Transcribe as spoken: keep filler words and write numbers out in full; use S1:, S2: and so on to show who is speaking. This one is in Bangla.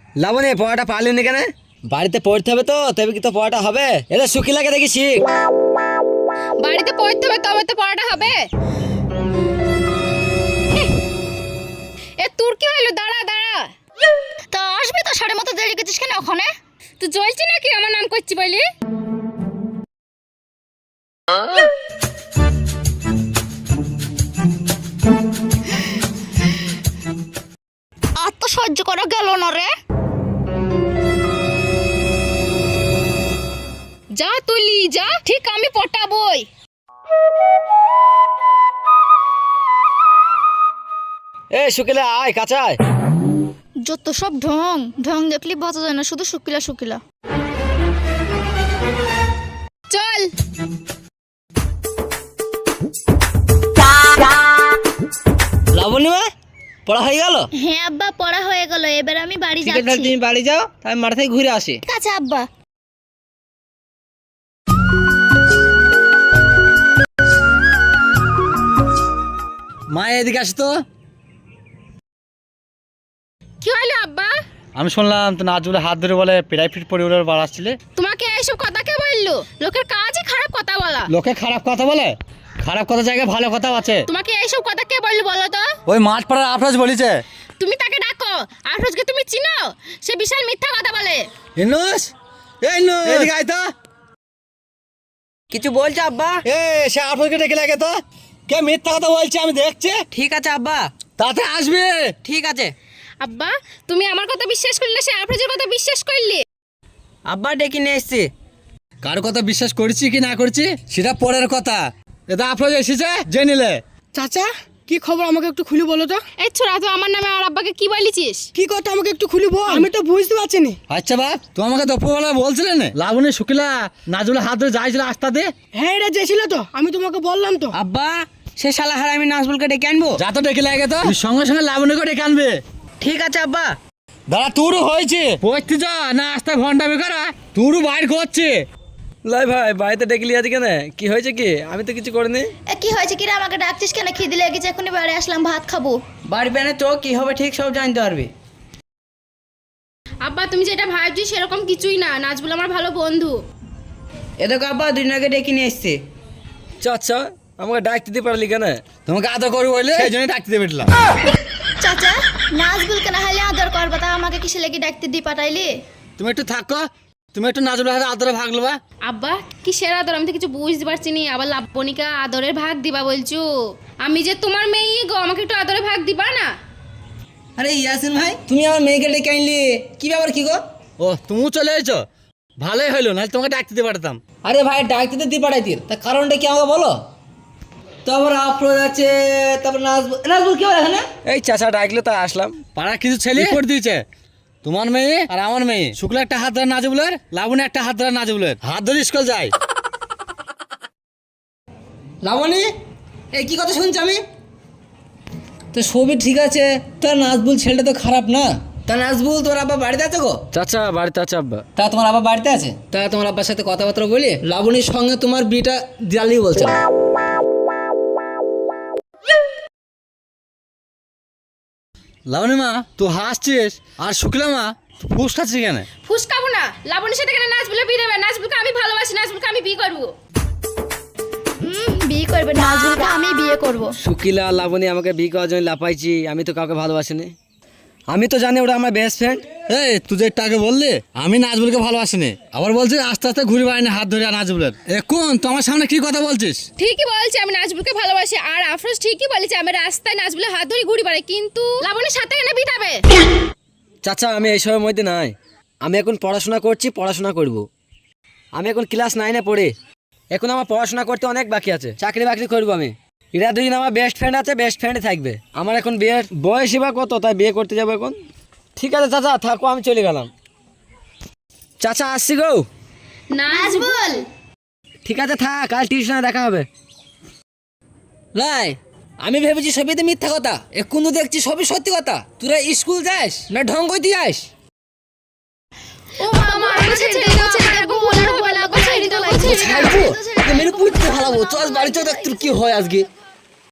S1: লাবণী পড়াটা পারলি নি কেন? বাড়িতে পড়তে হবে তো, তবে কি তো পড়াটা হবে? এটা শুকিলাকে দেখি শিখ।
S2: বাড়িতে পড়তে হবে তবে তো পড়াটা হবে। এ তোর কি হলো? দাঁড়া দাঁড়া।
S3: তা আসবি তো, সাড়ে মতো দেরি করছিস কেন ওখানে?
S2: তুই জ্বলছি নাকি আমার নাম করছি বলি?
S3: আর তো সহ্য করা গেল না রে।
S2: যা তুলি যা, ঠিক আমি পটাবই।
S1: এ শুকিলা আয়, কাঁচায়।
S3: যত সব ঢং ঢং দেখলি বাঁচা যায় না, শুধু শুকিলা শুকিলা।
S2: চল।
S1: লাবণী মা পড়া হয়ে গেল?
S3: হ্যাঁ আব্বা, পড়া হয়ে গেল, এবার আমি বাড়ি
S1: ঠিক আছে,
S3: যাচ্ছি।
S1: তুমি বাড়ি যাও, আমি মাঠ থেকে ঘুরে আসি।
S3: ঠিক আছে আব্বা।
S1: মা এদিকে আসো তো।
S2: কি হলো আব্বা?
S4: আমি শুনলাম তো নাজুলে হাত ধরে বলে প্রাইভেট পরিবারের বার আসছিলে।
S2: তোমাকে এইসব কথা কে বললো? লোকের কাজই খারাপ কথা বলা।
S4: লোকে খারাপ কথা বলে, খারাপ কথা জায়গায় ভালো কথা আছে।
S2: তোমাকে এইসব কথা কে বললো বলো তো?
S4: ওই মাঠ পাড়ার আফরাজ বলেছে।
S2: তুমি তাকে ডাকো। আফরোজকে তুমি চিনো? সে বিশাল মিথ্যা কথা বলে।
S1: ইনুস, এই ইনুস, এদিকে আয় তো।
S5: কিছু বলছে আব্বা?
S1: এ সে আফরোজকে ডেকে লাগে তো। কে মিথ্যা কথা বলছে আমি দেখছি।
S5: ঠিক আছে আব্বা,
S1: তাতে আসবে।
S5: ঠিক আছে।
S2: আব্বা তুমি আমার কথা বিশ্বাস করলে না সে আফরোজের কথা বিশ্বাস করলে?
S5: আব্বা ডেকে নিয়ে এসছি।
S1: কার কথা বিশ্বাস করছি কি না করছি সেটা পরের কথা। এটা আফরোজ এসেছে জেনিলে।
S6: চাচা কি খবর আমাকে একটু খুলে বলো তো।
S2: এই ছোড়া, তুই আমার নামে আর আব্বাকে কি বলেছিস?
S6: কি কথা আমাকে একটু খুলে বল, আমি তো বুঝতে পারছি না।
S1: আচ্ছা বাপ, তুমি আমাকে দুপুরবেলা বলছিলে না লাবণী শুকিলা নাজুলে হাত ধরে যাইছিল আস্তা দে।
S6: হ্যাঁ এটা যেছিল তো, আমি তোমাকে বললাম তো।
S5: আব্বা সে শালা হার আমি নাজবুলকে ডেকে আনবো।
S1: যা তো ডেকে লাগে তো, তুই সঙ্গে সঙ্গে লাবণীকে ডেকে আনবে।
S5: ঠিক আছে আব্বা।
S1: দাদা তোরও হয়েছে পড়তে যা না আস্তা ঘন্টা বেকারা তোরও বাইর করছে। লাই ভাই বাড়িতে ডেকে আছে কেন? কি হয়েছে কি? আমি তো কিছু করিনি।
S3: এ কি হয়েছে কি রে? আমাকে ডাকছিস কেন? খিদে লেগেছে, এখনই বাড়ি আসলাম, ভাত খাবো।
S5: বাড়ি বেনে তো কি হবে ঠিক সব জানতে পারবি।
S2: আব্বা তুমি যেটা ভাবছি সেরকম কিছুই না। নাজবুল আমার ভালো বন্ধু।
S5: এ দেখো আব্বা দুই দিন আগে ডেকে নিয়ে এসছি।
S1: আচ্ছা আমাকে ডাকতে দিতে পারলি কেন? তোমাকে আদর করবি বলে সেই জন্য ডাকতে দিয়ে বেটলাম।
S3: চাচা নাজবুলকে না হলে আদর করবা, তা আমাকে কিসে লেগে ডাকতে দি পাঠাইলি?
S1: তুমি একটু থাকো, তুমি একটু নাজুলের হাতে আদরে ভাগলো বা।
S2: আব্বা কি সেরা আদর? আমি তো কিছু বুঝতে পারছি নি। আবার লাবণীকে আদরের ভাগ দিবা বলছো? আমি যে তোমার মেয়ে গো, আমাকে একটু আদরের ভাগ দিবা না?
S5: আরে ইয়াসিন ভাই তুমি আমার মেয়েকে ডেকে আনলি, কি ব্যাপার কি গো?
S1: ও তুমিও চলে এসেছো, ভালোই হইলো, নাহলে তোমাকে ডাকতে দিতে পারতাম।
S5: আরে ভাই ডাকতে তো দিয়ে পাঠাইতি, তা কারণটা কি আমাকে বলো। তারপর আফরোজ আছে, তারপর নাজবুল। নাজবুল কি হবে এখানে?
S1: এই চাচা ডাকলো তাই আসলাম। পাড়ার কিছু ছেলে করে দিয়েছে, তোমার মেয়ে আর আমার মেয়ে। শুক্লা একটা হাত ধরে নাজবুলের, লাবণী একটা হাত ধরে নাজবুলের, হাত ধরে স্কুল যায়।
S5: লাবণী এই কি কথা শুনছি আমি? তো সবই ঠিক আছে, তা নাজবুল ছেলেটা তো খারাপ না। তা নাজবুল তোর আব্বা বাড়িতে আছে গো?
S1: চাচা বাড়িতে আছে আব্বা।
S5: তা তোমার আব্বা বাড়িতে আছে? তা তোমার আব্বার সাথে কথাবার্তা বলি লাবণীর সঙ্গে তোমার বিয়েটা দিয়ালি বলছে।
S1: লাবণী মা তুই হাসছিস আর শুক্লা মা ফুসকাচ্ছিস কেন?
S2: ফুসকাবো না। লাবণীর সাথে কেন নাজবুলে বিয়ে দেবে? নাজবুলকে আমি ভালোবাসি, নাজবুলকে আমি বিয়ে করবো।
S3: হুম বিয়ে করবে নাজবুলকে, আমি বিয়ে করব।
S1: শুকিলা লাবণী আমাকে বিয়ে করার জন্য লাপাইছি, আমি তো কাউকে ভালোবাসিনি। আমি তো জানি ওটা আমার বেস্ট ফ্রেন্ড। এই তুই যে একটু আগে বললি আমি নাজবুলকে ভালোবাসিনি, আবার বলছিস আস্তে আস্তে ঘুরে বেড়াইনি হাত ধরে নাজবুলের। এখন তোমার সামনে কি কথা বলছিস?
S2: ঠিকই বলছে আমি নাজবুলকে ভালোবাসি, আর আফরোজ ঠিকই বলেছে আমি রাস্তায় নাজবুলের হাত ধরে ঘুরি বেড়াই, কিন্তু লাবণীর সাথে কেন বিটাবে?
S1: চাচা আমি এইসবের মধ্যে নাই, আমি এখন পড়াশোনা করছি, পড়াশোনা করব। আমি এখন ক্লাস নাইনে পড়ি, এখন আমার পড়াশোনা করতে অনেক বাকি আছে, চাকরি বাকরি করবো আমি। এরা দুদিন আমার বেস্ট ফ্রেন্ড আছে, বেস্ট ফ্রেন্ডে থাকবে। আমার এখন বিয়ের বয়সই বা কত, তাই বিয়ে করতে যাবো এখন। ঠিক আছে চাচা থাকো, আমি চলে গেলাম। চাচা আসছি গো।
S2: নাজবুল
S1: ঠিক আছে থাক, কাল টিউশনে দেখা হবে।
S5: লাই আমি ভেবেছি সবই তো মিথ্যা কথা, এখন তো দেখছি সবই সত্যি কথা। তোরা স্কুল যাস না ঢং করতে যাস?
S2: ও মামা আমি ছেড়ে দাও, ছেড়ে দাও, বলে হবে না, ছেড়ে দাও, ছেড়ে দাও।
S5: ছাড়বো মেরে পুঁততে ভালো, চল বাড়ি চল দেখ তোর কি হয় আজকে।